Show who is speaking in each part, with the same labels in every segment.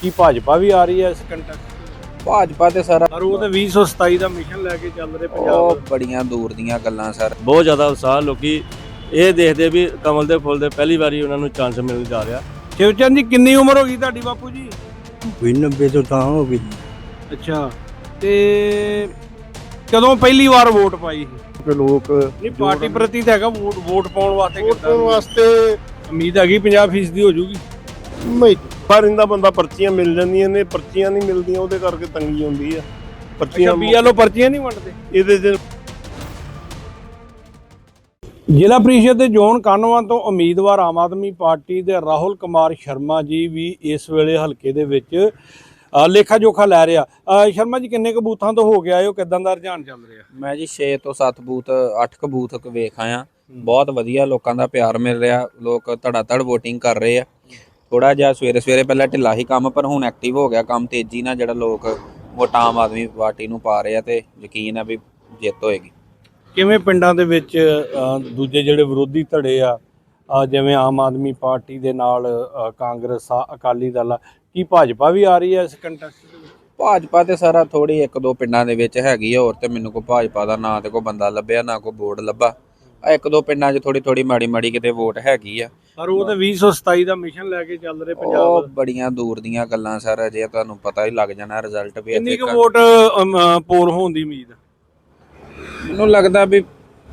Speaker 1: ਕੀ ਭਾਜਪਾ ਵੀ ਆ ਰਹੀ ਹੈ ਇਸ ਕੰਟੈਸਟ?
Speaker 2: ਭਾਜਪਾ ਤੇ ਸਰ
Speaker 1: ਪਰ ਉਹ ਤੇ 2027 ਦਾ ਮਿਸ਼ਨ ਲੈ ਕੇ ਚੱਲ ਰਹੇ ਪੰਜਾਬ।
Speaker 2: ਉਹ ਬੜੀਆਂ ਦੂਰ ਦੀਆਂ ਗੱਲਾਂ ਸਰ।
Speaker 3: ਬਹੁਤ ਜ਼ਿਆਦਾ ਉਤਸ਼ਾਹ ਲੋਕੀ ਇਹ ਦੇਖਦੇ ਵੀ ਕਮਲ ਦੇ ਫੁੱਲ ਦੇ ਪਹਿਲੀ ਵਾਰੀ ਉਹਨਾਂ ਨੂੰ ਚਾਂਸ ਮਿਲ ਜਾ ਰਿਹਾ।
Speaker 1: ਸ਼ਿਵਚੰਦ ਜੀ ਕਿੰਨੀ ਉਮਰ ਹੋ ਗਈ ਤੁਹਾਡੀ ਬਾਪੂ ਜੀ?
Speaker 4: ਕੋਈ 90 ਤੋਂ ਤਾਂ ਹੋ ਗਈ।
Speaker 1: ਅੱਛਾ, ਤੇ ਕਦੋਂ ਪਹਿਲੀ ਵਾਰ ਵੋਟ ਪਾਈ?
Speaker 4: ਕਿ ਲੋਕ
Speaker 1: ਨਹੀਂ ਪਾਰਟੀ ਪ੍ਰਤੀ ਤਾਂ ਹੈਗਾ, ਵੋਟ ਪਾਉਣ ਵਾਸਤੇ
Speaker 4: ਵੋਟ
Speaker 1: ਕਿੱਦਾਂ
Speaker 4: ਪਾਉਣ ਵਾਸਤੇ
Speaker 1: ਉਮੀਦ ਹੈਗੀ 50% ਦੀ ਹੋ ਜੂਗੀ?
Speaker 4: ਨਹੀਂ, ਪਰ ਇਹਦਾ ਬੰਦਾ ਪਰਚੀਆਂ ਮਿਲ ਜਾਂਦੀਆਂ ਨੇ, ਪਰਚੀਆਂ ਨਹੀਂ ਮਿਲਦੀਆਂ, ਉਹਦੇ ਕਰਕੇ ਤੰਗੀ ਹੁੰਦੀ ਆ। ਪਰਚੀਆਂ
Speaker 1: BLO ਪਰਚੀਆਂ ਨਹੀਂ ਵੰਡਦੇ
Speaker 4: ਇਹਦੇ ਚ।
Speaker 1: ਜ਼ਿਲ੍ਹਾ ਪ੍ਰੀਸ਼ਦ ਦੇ ਜ਼ੋਨ ਕਾਹਨਵਾਂ ਤੋਂ ਉਮੀਦਵਾਰ ਆਮ ਆਦਮੀ ਪਾਰਟੀ ਦੇ ਰਾਹੁਲ ਕੁਮਾਰ ਸ਼ਰਮਾ ਜੀ ਵੀ ਇਸ ਵੇਲੇ ਹਲਕੇ ਦੇ ਵਿੱਚ ਲੇਖਾ ਜੋਖਾ ਲੈ ਰਿਹਾ। ਸ਼ਰਮਾ ਜੀ ਕਿੰਨੇ ਕੁ ਬੂਥਾਂ ਤੋਂ ਹੋ ਗਿਆ, ਉਹ ਕਿਦਾਂ ਦਾ ਰੁਝਾਨ ਚੱਲ ਰਿਹਾ?
Speaker 2: ਮੈਂ ਜੀ 6 ਤੋਂ 7 ਬੂਥ 8 ਕ ਬੂਥ ਵੇਖ ਆਇਆ। ਬਹੁਤ ਵਧੀਆ ਲੋਕਾਂ ਦਾ ਪਿਆਰ ਮਿਲ ਰਿਹਾ, ਲੋਕ ਧੜਾ ਧੜ ਵੋਟਿੰਗ ਕਰ ਰਹੇ ਆ। ਥੋੜਾ ਜਿਹਾ ਸਵੇਰੇ ਪਹਿਲਾਂ ਢਿੱਲਾ ਹੀ ਕੰਮ, ਪਰ ਹੁਣ ਐਕਟਿਵ ਹੋ ਗਿਆ ਕੰਮ, ਤੇਜ਼ੀ ਨਾਲ ਜਿਹੜਾ ਲੋਕ ਵੋਟਾਂ ਆਮ ਆਦਮੀ ਪਾਰਟੀ ਨੂੰ ਪਾ ਰਹੇ ਆ ਤੇ ਯਕੀਨ ਆ ਵੀ ਜਿੱਤ ਹੋਏਗੀ।
Speaker 1: ਕਿਵੇਂ ਪਿੰਡਾਂ ਦੇ ਵਿੱਚ ਦੂਜੇ ਜਿਹੜੇ ਵਿਰੋਧੀ ਧੜੇ ਆ ਜਿਵੇਂ ਆਮ ਆਦਮੀ ਪਾਰਟੀ ਦੇ ਨਾਲ ਕਾਂਗਰਸ ਆ, ਅਕਾਲੀ ਦਲ ਆ, ਕੀ ਭਾਜਪਾ ਵੀ ਆ ਰਹੀ ਹੈ ਇਸ ਕੰਟੈਸਟ ਦੇ ਵਿੱਚ?
Speaker 2: ਭਾਜਪਾ ਤੇ ਸਾਰਾ ਥੋੜੀ 1-2 ਪਿੰਡਾਂ ਦੇ ਵਿੱਚ ਹੈਗੀ ਆ, ਹੋਰ ਤੇ ਮੈਨੂੰ ਕੋਈ ਭਾਜਪਾ ਦਾ ਨਾ ਤੇ ਕੋਈ ਬੰਦਾ ਲੱਭਿਆ, ਨਾ ਕੋਈ ਬੋਰਡ ਲੱਭਾ। 1-2 ਪਿੰਡਾਂ 'ਚ ਥੋੜੀ ਮਾੜੀ ਕਿਤੇ ਵੋਟ ਹੈਗੀ ਆ।
Speaker 1: ਪਰ ਉਹ ਤੇ 2027 ਦਾ ਮਿਸ਼ਨ ਲੈ ਕੇ ਚੱਲ ਰਹੇ
Speaker 2: ਉਹ
Speaker 1: ਪੰਜਾਬ।
Speaker 2: ਬੜੀਆਂ ਦੂਰ ਦੀਆਂ ਗੱਲਾਂ ਸਰ, ਜੇ ਤੁਹਾਨੂੰ ਪਤਾ ਹੀ ਲੱਗ ਜਾਣਾ ਰਿਜ਼ਲਟ ਵੀ।
Speaker 1: ਕਿੰਨੀ ਕੁ ਵੋਟ ਪੋਲ ਹੋਣ ਦੀ ਉਮੀਦ?
Speaker 2: ਮੈਨੂੰ ਲੱਗਦਾ ਵੀ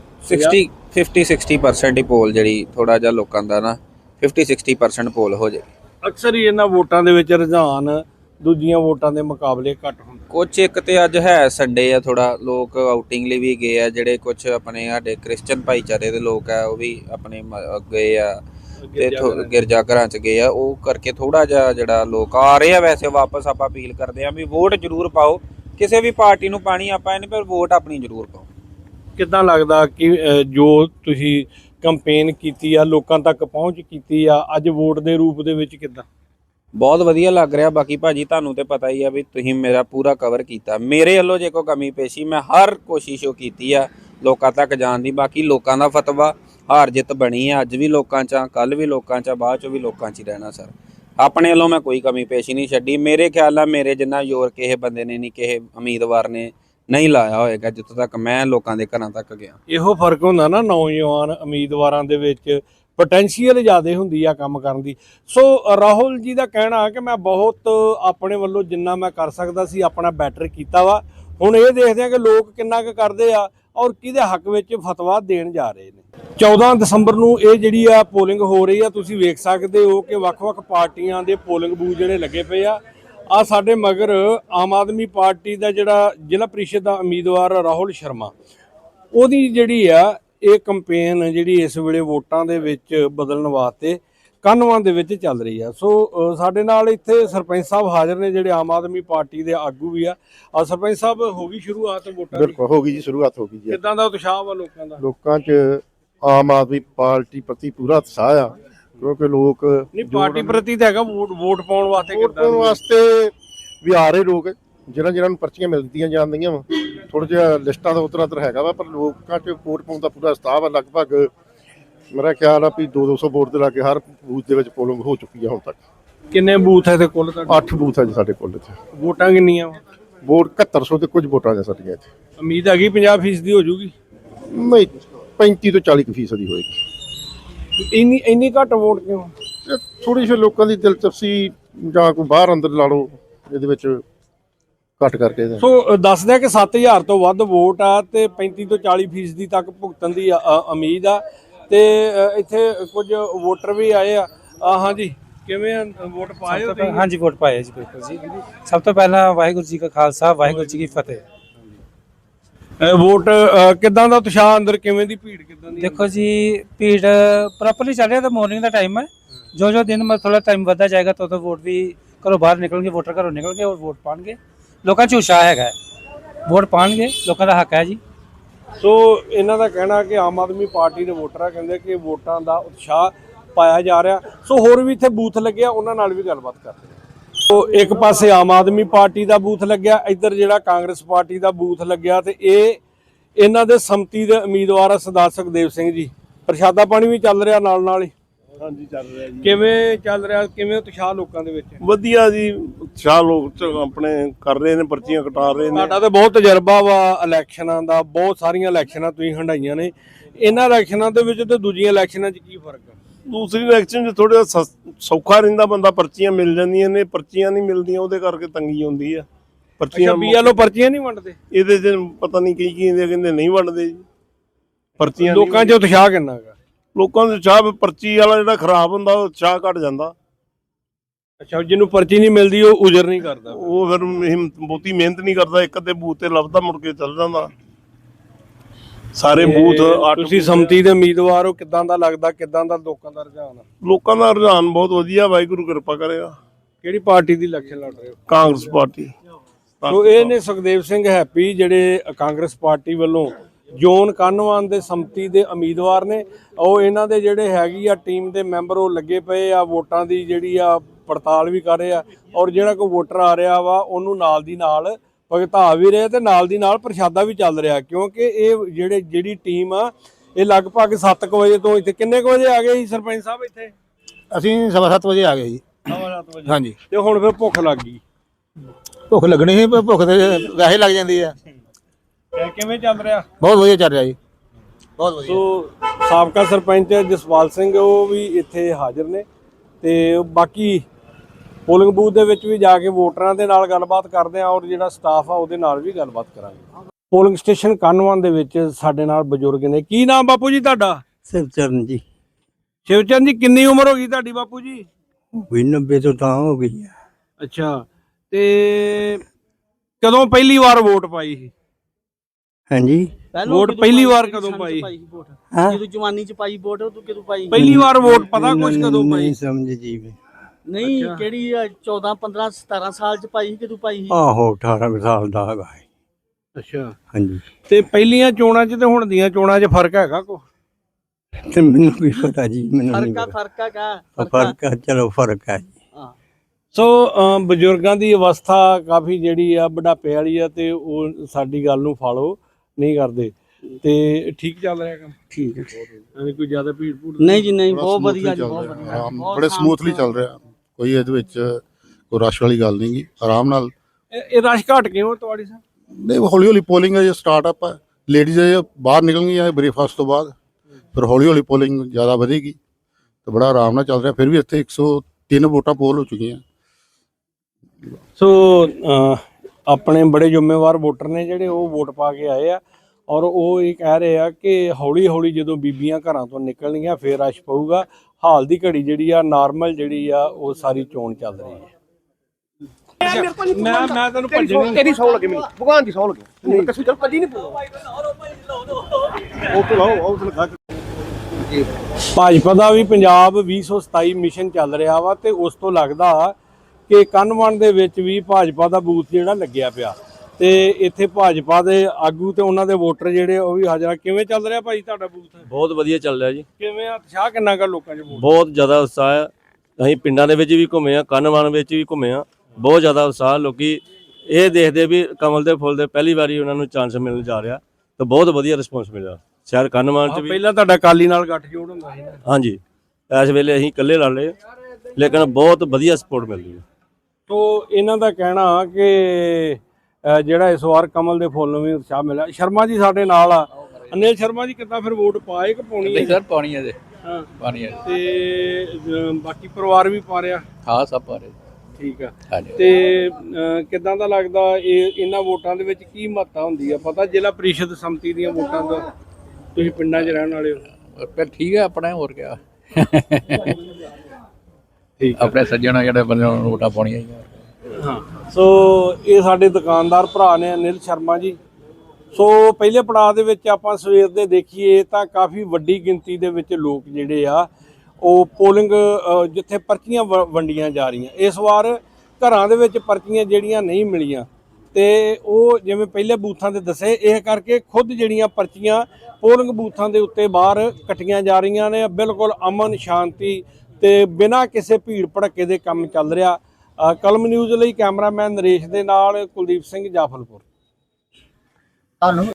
Speaker 2: 50-60% ਹੀ ਪੋਲ, ਜਿਹੜੀ ਥੋੜਾ ਜਿਹਾ ਲੋਕਾਂ ਦਾ ਨਾ 50-60% ਪੋਲ ਹੋ ਜਾਏ।
Speaker 1: ਅਕਸਰ ਹੀ ਇਹਨਾਂ ਵੋਟਾਂ ਦੇ ਵਿੱਚ ਰੁਝਾਨ ਦੂਜੀਆਂ ਵੋਟਾਂ ਦੇ ਮੁਕਾਬਲੇ ਘੱਟ ਹੁੰਦਾ।
Speaker 2: ਕੁਛ ਇੱਕ ਤੇ ਅੱਜ ਹੈ ਸੰਡੇ ਆ, ਥੋੜਾ ਲੋਕ ਆਊਟਿੰਗ ਲਈ ਵੀ ਗਏ ਆ, ਜਿਹੜੇ ਕੁਛ ਆਪਣੇ ਸਾਡੇ ਕ੍ਰਿਸਚਨ ਭਾਈਚਾਰੇ ਦੇ ਲੋਕ ਆ ਉਹ ਵੀ ਆਪਣੇ ਗਏ ਆ ਤੇ ਗਿਰਜਾ ਘਰਾਂ 'ਚ ਗਏ ਆ। ਉਹ ਕਰਕੇ ਥੋੜਾ ਜਿਹਾ ਜਿਹੜਾ ਲੋਕ ਆ ਰਹੇ ਆ, ਵੈਸੇ ਵਾਪਸ ਆਪਾਂ ਅਪੀਲ ਕਰਦੇ ਆ ਵੀ ਵੋਟ ਜ਼ਰੂਰ ਪਾਓ, ਕਿਸੇ ਵੀ ਪਾਰਟੀ ਨੂੰ ਪਾਣੀ ਆਪਾਂ ਨਹੀਂ, ਪਰ ਵੋਟ ਆਪਣੀ ਜ਼ਰੂਰ ਪਾਓ।
Speaker 1: ਕਿੱਦਾਂ ਲੱਗਦਾ ਕਿ ਜੋ ਤੁਸੀਂ ਕੰਪੇਨ ਕੀਤੀ ਆ, ਲੋਕਾਂ ਤੱਕ ਪਹੁੰਚ ਕੀਤੀ ਆ, ਅੱਜ ਵੋਟ ਦੇ ਰੂਪ ਦੇ ਵਿੱਚ ਕਿੱਦਾਂ?
Speaker 2: ਬਹੁਤ ਵਧੀਆ ਲੱਗ ਰਿਹਾ। ਬਾਕੀ ਭਾਜੀ ਤੁਹਾਨੂੰ ਤੇ ਪਤਾ ਹੀ ਆ ਵੀ ਤੁਸੀਂ ਮੇਰਾ ਪੂਰਾ ਕਵਰ ਕੀਤਾ। ਮੇਰੇ ਵੱਲੋਂ ਜੇ ਕੋਈ ਕਮੀ ਪੇਸ਼ੀ, ਮੈਂ ਹਰ ਕੋਸ਼ਿਸ਼ ਉਹ ਕੀਤੀ ਆ ਲੋਕਾਂ ਤੱਕ ਜਾਣ ਦੀ। ਬਾਕੀ ਲੋਕਾਂ ਦਾ ਫਤਵਾ, ਹਾਰ ਜਿੱਤ ਬਣੀ ਆ, ਅੱਜ ਵੀ ਲੋਕਾਂ 'ਚ, ਕੱਲ ਵੀ ਲੋਕਾਂ 'ਚ, ਬਾਅਦ 'ਚ ਵੀ ਲੋਕਾਂ 'ਚ ਹੀ ਰਹਿਣਾ ਸਰ। ਆਪਣੇ ਵੱਲੋਂ ਮੈਂ ਕੋਈ ਕਮੀ ਪੇਸ਼ੀ ਨਹੀਂ ਛੱਡੀ। ਮੇਰੇ ਖਿਆਲ ਨਾਲ ਮੇਰੇ ਜਿੰਨਾ ਜ਼ੋਰ ਕਿਸੇ ਬੰਦੇ ਨੇ ਨਹੀਂ, ਕਿਸੇ ਉਮੀਦਵਾਰ ਨੇ ਨਹੀਂ ਲਾਇਆ ਹੋਏਗਾ ਜਿੱਥੋਂ ਤੱਕ ਮੈਂ ਲੋਕਾਂ ਦੇ ਘਰਾਂ ਤੱਕ ਗਿਆ।
Speaker 1: ਇਹੋ ਫਰਕ ਹੁੰਦਾ ਨਾ ਨੌਜਵਾਨ ਉਮੀਦਵਾਰਾਂ ਦੇ ਵਿੱਚ, ਪੋਟੈਂਸ਼ੀਅਲ ਜ਼ਿਆਦਾ ਹੁੰਦੀ ਆ ਕੰਮ ਕਰਨ ਦੀ। ਸੋ ਰਾਹੁਲ ਜੀ ਦਾ ਕਹਿਣਾ ਕਿ ਮੈਂ ਬਹੁਤ ਆਪਣੇ ਵੱਲੋਂ ਜਿੰਨਾ ਮੈਂ ਕਰ ਸਕਦਾ ਸੀ ਆਪਣਾ ਬੈਟਰ ਕੀਤਾ ਵਾ। ਹੁਣ ਇਹ ਦੇਖਦੇ ਆ ਕਿ ਲੋਕ ਕਿੰਨਾ ਕੁ ਕਰਦੇ ਆ ਔਰ ਕਿਹਦੇ ਹੱਕ ਵਿੱਚ ਫਤਵਾ ਦੇਣ ਜਾ ਰਹੇ ਨੇ। 14 ਦਸੰਬਰ ਨੂੰ ਇਹ ਜਿਹੜੀ ਆ ਪੋਲਿੰਗ ਹੋ ਰਹੀ ਆ। ਤੁਸੀਂ ਵੇਖ ਸਕਦੇ ਹੋ ਕਿ ਵੱਖ-ਵੱਖ ਪਾਰਟੀਆਂ ਦੇ ਪੋਲਿੰਗ ਬੂਥ ਜਿਹੜੇ ਲੱਗੇ ਪਏ ਆ। ਆ ਸਾਡੇ ਮਗਰ ਆਮ ਆਦਮੀ ਪਾਰਟੀ ਦਾ ਜਿਹੜਾ ਜ਼ਿਲ੍ਹਾ ਪ੍ਰੀਸ਼ਦ ਦਾ ਉਮੀਦਵਾਰ ਰਾਹੁਲ ਸ਼ਰਮਾ, ਉਹਦੀ ਜਿਹੜੀ ਆ ਇਹ ਕੰਪੇਨ ਜਿਹੜੀ ਇਸ ਵੇਲੇ ਵੋਟਾਂ ਦੇ ਵਿੱਚ ਬਦਲਣ ਵਾਸਤੇ ਕਾਹਨਵਾਂ ਦੇ ਵਿੱਚ ਚੱਲ ਰਹੀ ਆ। ਸੋ ਸਾਡੇ ਨਾਲ ਇੱਥੇ ਸਰਪੰਚ ਸਾਹਿਬ ਹਾਜ਼ਰ ਨੇ ਜਿਹੜੇ ਆਮ ਆਦਮੀ ਪਾਰਟੀ ਦੇ ਆਗੂ ਵੀ ਆ। ਸਰਪੰਚ ਸਾਹਿਬ, ਹੋ ਗਈ ਸ਼ੁਰੂਆਤ ਵੋਟਾਂ ਦੀ?
Speaker 4: ਬਿਲਕੁਲ ਹੋ ਗਈ ਜੀ, ਸ਼ੁਰੂਆਤ ਹੋ ਗਈ ਜੀ।
Speaker 1: ਕਿੱਦਾਂ ਦਾ ਉਤਸ਼ਾਹ ਵਾ ਲੋਕਾਂ ਦਾ?
Speaker 4: ਲੋਕਾਂ 'ਚ ਆਮ ਆਦਮੀ ਪਾਰਟੀ ਪ੍ਰਤੀ ਪੂਰਾ ਉਤਸ਼ਾਹ ਆ, ਕਿਉਂਕਿ ਲੋਕ
Speaker 1: ਨਹੀਂ ਪਾਰਟੀ ਪ੍ਰਤੀ ਤਾਂ ਹੈਗਾ, ਵੋਟ ਪਾਉਣ ਵਾਸਤੇ
Speaker 4: ਵੋਟ ਪਾਉਣ ਵਾਸਤੇ ਵੀ ਆ ਰਹੇ ਲੋਕ, ਜਿਹਨਾਂ ਨੂੰ ਪਰਚੀਆਂ ਮਿਲਦੀਆਂ ਜਾਂਦੀਆਂ ਵਾ। ਥੋੜਾ ਜਿਹਾ ਲਿਸਟਾਂ ਦਾ ਉਤਰ ਹੈਗਾ ਵਾ, ਪਰ ਲੋਕਾਂ 'ਚ ਵੋਟ ਪਾਉਣ ਦਾ ਪੂਰਾ ਉਤਸ਼ਾਹ ਵਾ। ਲਗਭਗ ਮੇਰਾ ਖਿਆਲ ਆ ਵੀ 200 ਵੋਟ ਦੇ ਲਾਗੇ ਹਰ ਬੂਥ ਦੇ ਵਿੱਚ ਪੋਲਿੰਗ ਹੋ ਚੁੱਕੀ ਆ ਹੁਣ ਤੱਕ।
Speaker 1: ਕਿੰਨੇ ਬੂਥ ਹੈ ਤੇ ਕੁੱਲ ਤੁਹਾਡੇ?
Speaker 4: 8 ਬੂਥ ਆ ਜੀ ਸਾਡੇ ਕੋਲ ਇੱਥੇ।
Speaker 1: ਵੋਟਾਂ ਕਿੰਨੀਆਂ ਵਾ?
Speaker 4: ਵੋਟ 7100 ਤੇ ਕੁਝ ਵੋਟਾਂ ਨੇ ਸਾਡੀਆਂ ਇੱਥੇ।
Speaker 1: ਉਮੀਦ ਹੈਗੀ 50% ਦੀ ਹੋ ਜੂਗੀ?
Speaker 4: ਨਹੀਂ, 35 ਤੋਂ 40% ਦੀ ਹੋਏਗੀ।
Speaker 1: ਇੰਨੀ ਘੱਟ ਵੋਟ ਕਿਉਂ?
Speaker 4: ਥੋੜੀ ਜਿਹੀ ਲੋਕਾਂ ਦੀ ਦਿਲਚਸਪੀ ਜਾਂ ਕੋਈ ਬਾਹਰ ਅੰਦਰ ਲਾ ਲਓ, ਇਹਦੇ ਵਿੱਚ ਘੱਟ ਕਰਕੇ।
Speaker 1: ਸੋ ਦੱਸਦੇ ਆ ਕਿ 7000 ਤੋਂ ਵੱਧ ਵੋਟ ਆ ਤੇ 35 ਤੋਂ 40% ਦੀ ਤੱਕ ਭੁਗਤਣ ਦੀ ਉਮੀਦ ਆ। ਤੇ ਇੱਥੇ ਕੁਝ ਵੋਟਰ ਵੀ ਆਏ ਆ। ਹਾਂਜੀ, ਕਿਵੇਂ ਵੋਟ ਪਾਏ ਹੋ?
Speaker 5: ਹਾਂਜੀ, ਵੋਟ ਪਾਏ ਜੀ, ਬਿਲਕੁਲ ਜੀ। ਸਭ ਤੋਂ ਪਹਿਲਾਂ ਵਾਹਿਗੁਰੂ ਜੀ ਕਾ ਖਾਲਸਾ, ਵਾਹਿਗੁਰੂ ਜੀ ਕੀ ਫਤਿਹ।
Speaker 1: ਵੋਟ ਕਿੱਦਾਂ ਦਾ ਉਤਸ਼ਾਹ ਅੰਦਰ, ਕਿਵੇਂ ਦੀ ਭੀੜ ਕਿੱਦਾਂ ਦੀ?
Speaker 5: ਦੇਖੋ ਜੀ, ਭੀੜ ਪ੍ਰੋਪਰਲੀ ਚੱਲ ਰਿਹਾ। ਤਾਂ ਮਾਰਨਿੰਗ ਦਾ ਟਾਈਮ ਹੈ, ਜੋ ਦਿਨ में थोड़ा टाइम बढ़ता जाएगा तो वोट भी घरों बाहर निकलेंगे, वोटर घरों निकल के और वोट पाएंगे। लोगों 'ਚ ਉਤਸ਼ਾਹ ਹੈਗਾ, ਵੋਟ ਪਾਣਗੇ, ਲੋਕਾਂ ਦਾ ਹੱਕ ਹੈ ਜੀ।
Speaker 1: ਸੋ ਇਹਨਾਂ ਦਾ ਕਹਿਣਾ ਕਿ ਆਮ ਆਦਮੀ ਪਾਰਟੀ ਦੇ ਵੋਟਰ ਆ, ਕਹਿੰਦੇ ਕਿ ਵੋਟਾਂ ਦਾ ਉਤਸ਼ਾਹ ਪਾਇਆ ਜਾ ਰਿਹਾ। ਸੋ ਹੋਰ ਵੀ ਇੱਥੇ ਬੂਥ ਲੱਗਿਆ, ਉਹਨਾਂ ਨਾਲ ਵੀ ਗੱਲਬਾਤ ਕਰਦੇ ਹਾਂ। ਸੋ ਇੱਕ ਪਾਸੇ ਆਮ ਆਦਮੀ ਪਾਰਟੀ ਦਾ ਬੂਥ ਲੱਗਿਆ, ਇੱਧਰ ਜਿਹੜਾ ਕਾਂਗਰਸ ਪਾਰਟੀ ਦਾ ਬੂਥ ਲੱਗਿਆ ਤੇ ਇਹ ਇਹਨਾਂ ਦੇ ਸੰਮਤੀ ਦੇ ਉਮੀਦਵਾਰ ਸਰਦਾਰ ਸੁਖਦੇਵ ਸਿੰਘ ਜੀ। ਪ੍ਰਸ਼ਾਦਾ ਪਾਣੀ ਵੀ ਚੱਲ ਰਿਹਾ ਨਾਲ ਹੀ?
Speaker 4: ਹਾਂਜੀ, ਚੱਲ ਰਿਹਾ ਜੀ।
Speaker 1: ਕਿਵੇਂ ਚੱਲ ਰਿਹਾ, ਕਿਵੇਂ ਉਤਸ਼ਾਹ ਲੋਕਾਂ ਦੇ ਵਿੱਚ?
Speaker 4: ਵਧੀਆ ਜੀ,
Speaker 6: ਚਾਹ ਲੋਕ ਆਪਣੇ ਕਰ ਰਹੇ ਨੇ, ਪਰਚੀਆਂ ਕਟਾ ਰਹੇ ਨੇ।
Speaker 1: ਤੁਹਾਡਾ ਤਾਂ ਬਹੁਤ ਤਜਰਬਾ ਵਾ ਇਲੈਕਸ਼ਨਾਂ ਦਾ, ਬਹੁਤ ਸਾਰੀਆਂ ਇਲੈਕਸ਼ਨਾਂ ਤੁਸੀਂ ਹੰਡਾਈਆਂ ਨੇ, ਇਹਨਾਂ ਇਲੈਕਸ਼ਨਾਂ ਦੇ ਵਿੱਚ ਤੇ ਦੂਜੀਆਂ ਇਲੈਕਸ਼ਨਾਂ 'ਚ ਕੀ ਫਰਕ ਹੈ?
Speaker 6: ਦੂਸਰੀ ਇਲੈਕਸ਼ਨ 'ਚ ਥੋੜਾ ਸੌਖਾ ਰਹਿੰਦਾ ਬੰਦਾ, ਪਰਚੀਆਂ ਮਿਲ ਜਾਂਦੀਆਂ ਨੇ, ਪਰਚੀਆਂ ਨਹੀਂ ਮਿਲਦੀਆਂ, ਉਹਦੇ ਕਰਕੇ ਤੰਗੀ ਹੁੰਦੀ ਆ। ਪਰਚੀਆਂ
Speaker 1: BLO ਪਰਚੀਆਂ ਨਹੀਂ ਵੰਡਦੇ?
Speaker 6: ਇਹਦੇ 'ਚ ਪਤਾ ਨਹੀਂ ਕੀ ਕਹਿੰਦੇ ਨਹੀਂ ਵੰਡਦੇ ਜੀ ਪਰਚੀਆਂ।
Speaker 1: ਲੋਕਾਂ 'ਚ ਉਤਸ਼ਾਹ ਕਿੰਨਾ ਹੈਗਾ?
Speaker 6: ਲੋਕਾਂ ਦੇ ਚਾਹ ਪਰਚੀ ਵਾਲਾ ਜਿਹੜਾ ਖਰਾਬ ਹੁੰਦਾ ਉਹ ਚਾਹ ਘਟ ਜਾਂਦਾ।
Speaker 1: ਅੱਛਾ, ਜਿਹਨੂੰ ਪਰਚੀ ਨਹੀਂ ਮਿਲਦੀ ਉਹ ਉਜਰ ਨਹੀਂ ਕਰਦਾ,
Speaker 6: ਉਹ ਫਿਰ ਬਹੁਤੀ ਮਿਹਨਤ ਨਹੀਂ ਕਰਦਾ, ਇੱਕ ਅੱਧੇ ਬੂਥ ਤੇ ਲੱਭਦਾ ਮੁੜ ਕੇ ਚੱਲ ਜਾਂਦਾ। ਸਾਰੇ ਬੂਥ
Speaker 1: ਤੁਸੀਂ ਸੰਮਤੀ ਦੇ ਉਮੀਦਵਾਰ ਹੋ, ਕਿੱਦਾਂ ਦਾ ਲੱਗਦਾ, ਕਿੱਦਾਂ ਦਾ ਲੋਕਾਂ ਦਾ ਰੁਝਾਨ ਆ?
Speaker 6: ਲੋਕਾਂ ਦਾ ਰੁਝਾਨ ਬਹੁਤ ਵਧੀਆ, ਵਾਹਿਗੁਰੂ ਕਿਰਪਾ ਕਰੇਗਾ।
Speaker 1: ਕਿਹੜੀ ਪਾਰਟੀ ਦੀ ਇਲੈਕਸ਼ਨ ਲੜ ਰਹੇ ਹੋ?
Speaker 6: ਕਾਂਗਰਸ ਪਾਰਟੀ।
Speaker 1: ਸੋ ਇਹ ਨੇ ਸੁਖਦੇਵ ਸਿੰਘ ਹੈਪੀ, ਜਿਹੜੇ ਕਾਂਗਰਸ ਪਾਰਟੀ ਵੱਲੋਂ ਜ਼ੋਨ ਕਾਹਨਵਾਨ ਦੇ ਸੰਮਤੀ ਦੇ ਉਮੀਦਵਾਰ ਨੇ। ਉਹ ਇਹਨਾਂ ਦੇ ਜਿਹੜੇ ਹੈਗੀ ਆ ਟੀਮ ਦੇ ਮੈਂਬਰ, ਉਹ ਲੱਗੇ ਪਏ ਆ ਵੋਟਾਂ ਦੀ ਜਿਹੜੀ ਆ ਪੜਤਾਲ ਵੀ ਕਰ ਰਹੇ ਆ, ਔਰ ਜਿਹੜਾ ਕੋਈ ਵੋਟਰ ਆ ਰਿਹਾ ਵਾ ਉਹਨੂੰ ਨਾਲ ਦੀ ਨਾਲ ਭੁਗਤਾ ਵੀ ਰਹੇ ਤੇ ਨਾਲ ਦੀ ਨਾਲ ਪ੍ਰਸ਼ਾਦਾ ਵੀ ਚੱਲ ਰਿਹਾ, ਕਿਉਂਕਿ ਇਹ ਜਿਹੜੀ ਟੀਮ ਆ ਇਹ ਲਗਭਗ 7 ਵਜੇ ਤੋਂ ਇੱਥੇ, ਕਿੰਨੇ ਕੁ ਵਜੇ ਆ ਗਏ ਸੀ ਸਰਪੰਚ ਸਾਹਿਬ ਇੱਥੇ?
Speaker 7: ਅਸੀਂ 7:15 ਵਜੇ ਆ ਗਏ ਜੀ।
Speaker 1: 7:15 ਵਜੇ?
Speaker 7: ਹਾਂਜੀ।
Speaker 1: ਤੇ ਹੁਣ ਫਿਰ ਭੁੱਖ ਲੱਗ ਗਈ?
Speaker 7: ਭੁੱਖ ਲੱਗਣੀ ਸੀ, ਪਰ ਭੁੱਖ ਤੇ ਵੈਸੇ ਲੱਗ ਜਾਂਦੀ ਆ।
Speaker 1: ਕਿਵੇਂ ਚੱਲ ਰਿਹਾ?
Speaker 7: ਬਹੁਤ ਵਧੀਆ ਚੱਲ ਰਿਹਾ ਜੀ, ਬਹੁਤ ਵਧੀਆ।
Speaker 1: ਸੋ ਸਾਬਕਾ ਸਰਪੰਚ ਜਸਪਾਲ ਸਿੰਘ ਉਹ ਵੀ ਇੱਥੇ ਹਾਜ਼ਰ ਨੇ, ਤੇ ਬਾਕੀ ਪੋਲਿੰਗ ਬੂਥ ਦੇ ਵਿੱਚ ਵੀ ਜਾ ਕੇ ਵੋਟਰਾਂ ਦੇ ਨਾਲ ਗੱਲਬਾਤ ਕਰਦੇ ਆ, ਔਰ ਜਿਹੜਾ ਸਟਾਫ ਆ ਉਹਦੇ ਨਾਲ ਵੀ ਗੱਲਬਾਤ ਕਰਾਂਗੇ। ਪੋਲਿੰਗ ਸਟੇਸ਼ਨ ਕਾਹਨਵਾਨ ਦੇ ਵਿੱਚ ਸਾਡੇ ਨਾਲ ਬਜ਼ੁਰਗ ਨੇ। ਕੀ ਨਾਮ ਬਾਪੂ ਜੀ ਤੁਹਾਡਾ?
Speaker 8: शिवचरण जी।
Speaker 1: ਸ਼ਿਵਚੰਦ ਜੀ, ਕਿੰਨੀ ਉਮਰ ਹੋ ਗਈ ਤੁਹਾਡੀ ਬਾਪੂ ਜੀ?
Speaker 8: 90 तो हो गई है।
Speaker 1: ਅੱਛਾ, ਤੇ ਕਦੋਂ ਪਹਿਲੀ ਵਾਰ ਵੋਟ ਪਾਈ ਸੀ?
Speaker 8: हाँ जी।
Speaker 1: ਵੋਟ ਪਹਿਲੀ ਵਾਰ ਕਦੋਂ ਪਾਈ?
Speaker 8: हाँ?
Speaker 9: ਜਦੋਂ ਜਵਾਨੀ ਚ ਪਾਈ ਵੋਟ ਤੂੰ ਕਿਦੋਂ ਪਾਈ?
Speaker 1: ਪਹਿਲੀ ਵਾਰ ਵੋਟ ਪਤਾ ਕੁਛ ਕਦੋਂ ਪਾਈ?
Speaker 8: नहीं समझ जी में।
Speaker 9: ਨਹੀਂ ਕਿਹੜੀ 14 15 17 ਸਾਲ ਚ ਪਾਈ ਕਿਦੋਂ ਪਾਈ?
Speaker 8: आहो 18 साल दा है।
Speaker 1: ਅੱਛਾ,
Speaker 8: हाँ जी।
Speaker 1: ਤੇ ਪਹਿਲੀਆਂ ਚੋਣਾਂ 'ਚ ਤੇ ਹੁਣ ਦੀਆਂ ਚੋਣਾਂ 'ਚ ਫਰਕ ਹੈਗਾ ਕੋ?
Speaker 8: ते मैनू की पता जी, मैनू नहीं
Speaker 9: ਫਰਕਾ
Speaker 8: पता।
Speaker 9: ਫਰਕਾ ਕਾ
Speaker 8: फर्क है, चलो फर्क है जी।
Speaker 1: ਸੋ ਬਜ਼ੁਰਗਾਂ ਦੀ ਅਵਸਥਾ ਕਾਫੀ ਜਿਹੜੀ ਆ ਬੁਢਾਪੇ ਵਾਲੀ ਆ, ਤੇ ਉਹ ਸਾਡੀ ਗੱਲ ਨੂੰ ਫਾਲੋ ਨਹੀਂ ਕਰਦੇ, ਤੇ ਠੀਕ ਚੱਲ ਰਿਹਾ ਕੰਮ?
Speaker 9: ਠੀਕ ਹੈ।
Speaker 1: ਐਵੇਂ ਕੋਈ ਜ਼ਿਆਦਾ ਭੀੜ ਭੂੜ
Speaker 9: ਨਹੀਂ ਜੀ ਨਹੀਂ,
Speaker 4: ਬੜਾ
Speaker 9: ਬਹੁਤ
Speaker 4: smoothly
Speaker 9: ਵਧੀਆ ਜੀ,
Speaker 4: ਚੱਲ
Speaker 9: ਬਹੁਤ
Speaker 4: ਰਿਹਾ।
Speaker 9: ਵਧੀਆ।
Speaker 4: ਆਰਾਮ,
Speaker 9: ਬਹੁਤ
Speaker 4: ਬੜੇ
Speaker 9: ਸ਼ਾਂਤ
Speaker 4: ਸਮੂਥਲੀ ਚੱਲ ਰਿਹਾ, ਕੋਈ ਇਹਦੇ ਵਿੱਚ ਕੋਈ ਰਸ਼ ਵਾਲੀ ਗੱਲ ਨਹੀਂ ਗੀ, ਆਰਾਮ ਨਾਲ।
Speaker 1: ਇਹ ਰਸ਼ ਘਟ ਕਿਉਂ ਤੁਹਾਡੀ ਸਾਹਿਬ?
Speaker 4: ਨਹੀਂ, ਹੌਲੀ ਹੌਲੀ ਪੋਲਿੰਗ ਹੈ, ਸਟਾਰਟਅਪ ਹੈ, ਲੇਡੀਜ਼ ਬਾਹਰ ਨਿਕਲ ਗਈਆਂ ਬ੍ਰੇਕਫਾਸਟ ਤੋਂ ਬਾਅਦ, ਫਿਰ ਹੌਲੀ ਹੌਲੀ ਪੋਲਿੰਗ ਜ਼ਿਆਦਾ ਵਧੇਗੀ, ਤੇ ਬੜਾ ਆਰਾਮ ਨਾਲ ਚੱਲ ਰਿਹਾ। ਫਿਰ ਵੀ ਇੱਥੇ 103 ਵੋਟਾਂ ਪੋਲ ਹੋ ਚੁੱਕੀਆਂ।
Speaker 1: ਸੋ ਆਪਣੇ ਬੜੇ ਜ਼ਿੰਮੇਵਾਰ ਵੋਟਰ ਨੇ ਜਿਹੜੇ, ਉਹ ਵੋਟ ਪਾ ਕੇ ਆਏ ਆ, ਔਰ ਉਹ ਇਹ ਕਹਿ ਰਹੇ ਆ ਕਿ ਹੌਲੀ ਹੌਲੀ ਜਦੋਂ ਬੀਬੀਆਂ ਘਰਾਂ ਤੋਂ ਨਿਕਲਣਗੀਆਂ ਫਿਰ ਰਸ਼ ਪਊਗਾ। ਹਾਲ ਦੀ ਘੜੀ ਜਿਹੜੀ ਆ ਨਾਰਮਲ ਜਿਹੜੀ ਆ ਉਹ ਸਾਰੀ ਚੋਣ ਚੱਲ ਰਹੀ ਹੈ। ਮੈਂ ਤੈਨੂੰ ਭੱਜਣੀ
Speaker 4: ਤੇਰੀ ਸੌ ਲੱਗੇ ਮੈਨੂੰ, ਭਗਵਾਨ ਦੀ ਸੌ ਲੱਗੇ, ਕਿਸੇ ਚਲ ਭੱਜੀ ਨਹੀਂ ਉਹ ਤੋਂ ਲਾਓ ਉਹ ਲਗਾ।
Speaker 1: ਭਾਜਪਾ ਦਾ ਵੀ ਪੰਜਾਬ 2027 ਮਿਸ਼ਨ ਚੱਲ ਰਿਹਾ ਵਾ, ਤੇ ਉਸ ਤੋਂ ਲੱਗਦਾ ਕਿ ਕਾਹਨਵਾਨ ਦੇ ਵਿੱਚ ਵੀ ਭਾਜਪਾ ਦਾ ਬੂਥ ਜਿਹੜਾ ਲੱਗਿਆ ਪਿਆ, ਤੇ ਇੱਥੇ ਭਾਜਪਾ ਦੇ ਆਗੂ ਤੇ ਉਹਨਾਂ ਦੇ ਵੋਟਰ ਜਿਹੜੇ ਉਹ ਵੀ ਹਾਜ਼ਰ ਆ। ਕਿਵੇਂ ਚੱਲ ਰਿਹਾ ਭਾਈ ਤੁਹਾਡਾ ਬੂਥ?
Speaker 3: ਬਹੁਤ ਵਧੀਆ ਚੱਲ ਰਿਹਾ ਜੀ,
Speaker 1: ਕਿਵੇਂ ਆ ਉਤਸ਼ਾਹ ਕਿੰਨਾ ਕਰ ਲੋਕਾਂ 'ਚ ਵੋਟ?
Speaker 3: ਬਹੁਤ ਜ਼ਿਆਦਾ ਉਤਸ਼ਾਹ ਹੈ। ਅਸੀਂ ਪਿੰਡਾਂ ਦੇ ਵਿੱਚ ਵੀ ਘੁੰਮੇ ਆ, ਕਾਹਨਵਾਨ ਵਿੱਚ ਵੀ ਘੁੰਮੇ ਆ, ਬਹੁਤ ਜ਼ਿਆਦਾ ਉਤਸ਼ਾਹ। ਲੋਕੀ ਇਹ ਦੇਖਦੇ ਵੀ ਕਮਲ ਦੇ ਫੁੱਲ ਦੇ ਪਹਿਲੀ ਵਾਰੀ ਉਹਨਾਂ ਨੂੰ ਚਾਂਸ ਮਿਲਣ ਜਾ ਰਿਹਾ, ਤਾਂ ਬਹੁਤ ਵਧੀਆ ਰਿਸਪੌਂਸ ਮਿਲਿਆ ਸ਼ਹਿਰ ਕਾਹਨਵਾਨ 'ਚ ਵੀ।
Speaker 1: ਪਹਿਲਾਂ ਤੁਹਾਡਾ ਅਕਾਲੀ ਨਾਲ ਗੱਠਜੋੜ ਹੁੰਦਾ ਸੀ ਨਾ?
Speaker 3: ਹਾਂਜੀ, ਇਸ ਵੇਲੇ ਅਸੀਂ ਇਕੱਲੇ ਲੜ ਲਏ, ਲੇਕਿਨ ਬਹੁਤ ਵਧੀਆ ਸਪੋਰਟ ਮਿਲ ਰਹੀ ਹੈ।
Speaker 1: ਤੋ ਇਹਨਾਂ ਦਾ ਕਹਿਣਾ ਕਿ ਜਿਹੜਾ ਇਸ ਵਾਰ ਕਮਲ ਦੇ ਫੁੱਲ ਨੂੰ ਵੀ ਉਤਸ਼ਾਹ ਮਿਲਿਆ। ਸ਼ਰਮਾ ਜੀ ਸਾਡੇ ਨਾਲ ਆ। ਅਨਿਲ ਸ਼ਰਮਾ ਜੀ, ਕਿੱਦਾਂ ਫਿਰ ਵੋਟ ਪਾਏ ਕਿ ਪਾਉਣੀ ਹੈ?
Speaker 10: ਸਰ ਪਾਣੀ ਹੈ ਜੀ,
Speaker 1: ਹਾਂ,
Speaker 10: ਪਾਣੀ ਹੈ।
Speaker 1: ਤੇ ਬਾਕੀ ਪਰਿਵਾਰ ਵੀ ਪਾ ਰਿਹਾ?
Speaker 10: ਹਾਂ ਸਭ ਪਾ ਰਹੇ।
Speaker 1: ਠੀਕ ਆ।
Speaker 10: ਹਾਂਜੀ।
Speaker 1: ਤੇ ਕਿੱਦਾਂ ਦਾ ਲੱਗਦਾ ਇਹਨਾਂ ਵੋਟਾਂ ਦੇ ਵਿੱਚ ਕੀ ਮਹੱਤਤਾ ਹੁੰਦੀ ਆ? ਪਤਾ ਜ਼ਿਲ੍ਹਾ ਪ੍ਰੀਸ਼ਦ ਸੰਮਤੀ ਦੀਆਂ ਵੋਟਾਂ ਦਾ, ਤੁਸੀਂ ਪਿੰਡਾਂ 'ਚ ਰਹਿਣ ਵਾਲੇ ਹੋ।
Speaker 10: ਪਰ ਠੀਕ ਹੈ ਆਪਣਾ, ਹੋਰ ਕਿਆ
Speaker 1: ਠੀਕ
Speaker 10: ਆਪਣੇ ਸੱਜਣ ਜਿਹੜੇ ਬੰਦੇ ਨੂੰ ਵੋਟਾਂ ਪਾਉਣੀਆਂ ਹੀ ਆ।
Speaker 1: ਹਾਂ, ਸੋ ਇਹ ਸਾਡੇ ਦੁਕਾਨਦਾਰ ਭਰਾ ਨੇ ਅਨਿਲ ਸ਼ਰਮਾ ਜੀ। ਸੋ ਪਹਿਲੇ ਪੜਾਅ ਦੇ ਵਿੱਚ ਆਪਾਂ ਸਵੇਰ ਦੇ ਦੇਖੀਏ ਤਾਂ ਕਾਫੀ ਵੱਡੀ ਗਿਣਤੀ ਦੇ ਵਿੱਚ ਲੋਕ ਜਿਹੜੇ ਆ ਉਹ ਪੋਲਿੰਗ ਜਿੱਥੇ ਪਰਚੀਆਂ ਵੰਡੀਆਂ ਜਾ ਰਹੀਆਂ, ਇਸ ਵਾਰ ਘਰਾਂ ਦੇ ਵਿੱਚ ਪਰਚੀਆਂ ਜਿਹੜੀਆਂ ਨਹੀਂ ਮਿਲੀਆਂ, ਤੇ ਉਹ ਜਿਵੇਂ ਪਹਿਲੇ ਬੂਥਾਂ ਤੇ ਦੱਸੇ, ਇਹ ਕਰਕੇ ਖੁਦ ਜਿਹੜੀਆਂ ਪਰਚੀਆਂ ਪੋਲਿੰਗ ਬੂਥਾਂ ਦੇ ਉੱਤੇ ਬਾਹਰ ਕੱਟੀਆਂ ਜਾ ਰਹੀਆਂ ਨੇ। ਬਿਲਕੁਲ ਅਮਨ ਸ਼ਾਂਤੀ ਤੇ ਬਿਨਾਂ ਕਿਸੇ ਭੀੜ ਭੜੱਕੇ ਦੇ ਕੰਮ ਚੱਲ ਰਿਹਾ। ਕਲਮ ਨਿਊਜ਼ ਲਈ ਕੈਮਰਾਮੈਨ ਨਰੇਸ਼ ਦੇ ਨਾਲ ਕੁਲਦੀਪ ਸਿੰਘ ਜਾਫਲਪੁਰ।